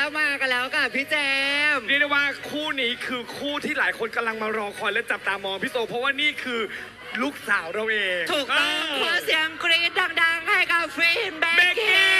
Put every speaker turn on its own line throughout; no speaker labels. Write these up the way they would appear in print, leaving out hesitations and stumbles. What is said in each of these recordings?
มากันแล้วกับพี่เจมส์
เรียกได้ว่าคู่นี้คือคู่ที่หลายคนกำลังมารอคอยและจับตามองพี่โซเพราะว่านี่คือลูกสาวเราเอง
ถูกต้องขอเสียงกรี๊ดดังๆให้กับฟรีนแบ็
เบ
ค
ก
กี้
กี้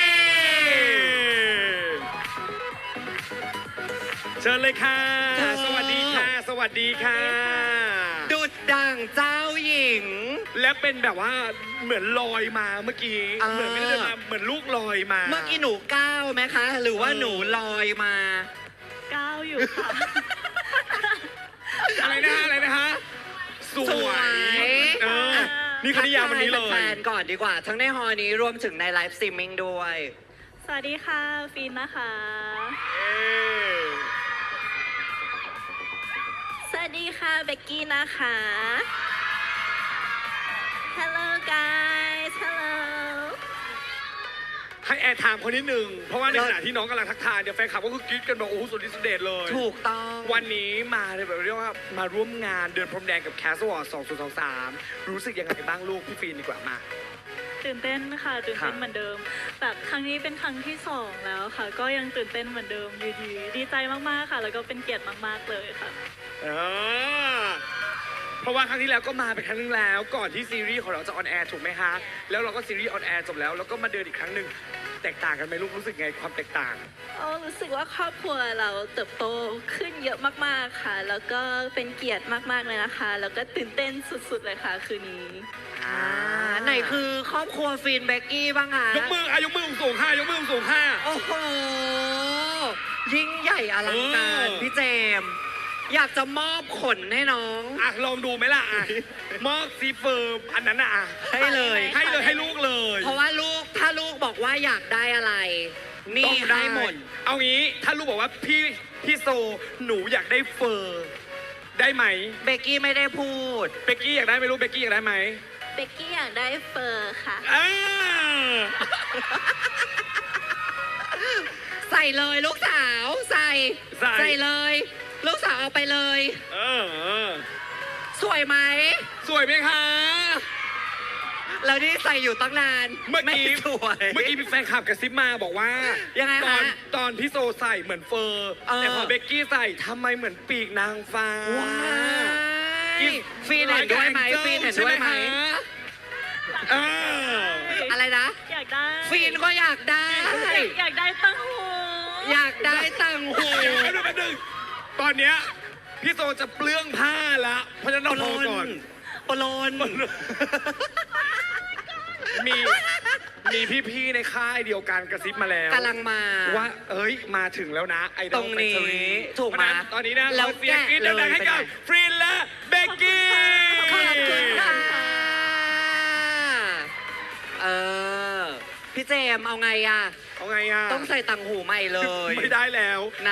เชิญเลยค่ะ สวัสดีค่ะ สวัสดีค่ะ
ดุดดังเจ้าหญิง
และเป็นแบบว่าเหมือนลอยมาเมื่อกี้ เหมือนไม่ได้เดินมาเหมือนลูกลอยมา
เมื่อกี้หนูก้าวไหมคะ หรือว่าหนูลอยมา
ก้าวอยู่ค่ะ
อะไรนะฮะส
ส
ว
วย ย
เออนี่คณิยามวันนี้เล
ทักท
ย
แฟนๆก่อนดีกว่า ทั้งในฮอนี้รวมถึงในไลฟ์สตรีมมิ่งด้วย
สวัสดีค่ะ ฟินนะคะ สวัสดีค่ะ เบกกี้นะคะ Hello guys Hello
ให้แอร์ไทม์คนนิดนึง เพราะว่าในขณะที่น้องกำลังทักทายเนี่ยแฟนคลับก็คือกรี๊ดกันบอกโอ้โหสุดฤทธิ์สุดเดชเลย
ถูกต้อง
วันนี้มาเลยแบบเรียกว่ามาร่วมงานเดินพรมแดงกับแคสวอร์2023 รู้สึกยังไงบ้างลูกพี่ฟีนดีกว่ามา
ตื่นเต้นค่ะตื่นเต้น
ค่ะ
เหมือนเดิม แบบครั้งนี้เป็นครั้งที่2แล้วค่ะ ก็ยังตื่นเต้นเหมือนเดิมอยู่ดีดีใจมากๆค่ะ แล้วก็เป็นเกียรติมากๆเลยค่ะ
เออเพราะว่าครั้งที่แล้วก็มาเป็นครั้งนึงแล้วก่อนที่ซีรีส์ของเราจะออนแอร์ถูกไหมคะแล้วเราก็ซีรีส์ออนแอร์จบแล้วแล้วก็มาเดินอีกครั้งหนึ่งแตกต่างกันไหมลูกรู้สึกไงความแตกต่าง
รู้สึกว่าครอบครัวเราเติบโตขึ้นเยอะมากๆค่ะ แล้วก็เป็นเกียรติมากๆเลยนะคะ แล้วก็ตื่นเต้นสุดๆเลยค่ะคืนนี้
ไหนคือครอบครัวฟินแบ็กกี้บ้างคะ
ยกมือยกมือสูงค่ะยกมือสูงค่ะ
โอ้โห ยิ่งใหญ่อลังการ
เออ
พี่เจมส์อยากจะมอบขนให้น้อง
อ่ะลองดูไหมล่ะอ่ะมอบซีเฟิร์มอันนั้นอ่ะ
ให้เลย
ให้เลยให้ลูกเลย
เพราะว่าลูกถ้าลูกบอกว่าอยากได้อะไร นี่
ต้อง
ให้หมด
เอางี้ถ้าลูกบอกว่าพี่โซหนูอยากได้เฟอร์ได้ไหม
เบกกี้ไม่ได้พูด
เบกกี้อยากได้ไหมลูกเบกกี้อยากได้ไหม
เบกกี้อยากได้เฟอร์ค่ะ
อ่า
ใส่เลยลูกสาวใส่เลย ลูกสาวเอาไปเลย
เออ
สวยไหม
สวยไหมคะ
แล้วนี่ใส่อยู่ตั้งนาน
เมื่อกี้
ไสวย
เมื่อกี้มีแฟนคลับกระซิบมาบอกว่า
ยังไง
ต
คะ
ตอนพี่โซใส่เหมือนเฟอร์
เออ
แต่พอเบกกี้ใส่ทำไมเหมือนปีกนางฟ้า
ว้ายฟีนเห็นด้วยไหมฟีนเห็นด้วยไหม
เออ
อะไรนะ
อยากได้
ฟีนก็อยากได้
อยากได้ตั้งหู
อยากได้ตังหู
เดี๋ยวแป๊บนึงตอนเนี้ยพี่โซจะเปลื้องผ้าละเพราะฉะนั้นเราพอก่อน
ปลน
มีพี่ๆในค่ายเดียวกันกระซิบมาแล้ว
กำลังมา
ว่าเอ้ยมาถึงแล้วนะไอดอล
ตรงนี้
แฟคทอรี่
ถูกไหม
เพราะฉะนั้นตอนนี้นะ
แล้ว
เราเสียงกรี๊ด
แกะเลย
ดังๆให้กับ
เป็นไง
ฟรีนและเบกกี้
ขอบคุณค่ะเออ พี่เจมส์เอาไงอ่ะ
เอาไงอ่ะ
ต้องใส่ตังหูใหม่เลย
ไม่ได้แล้ว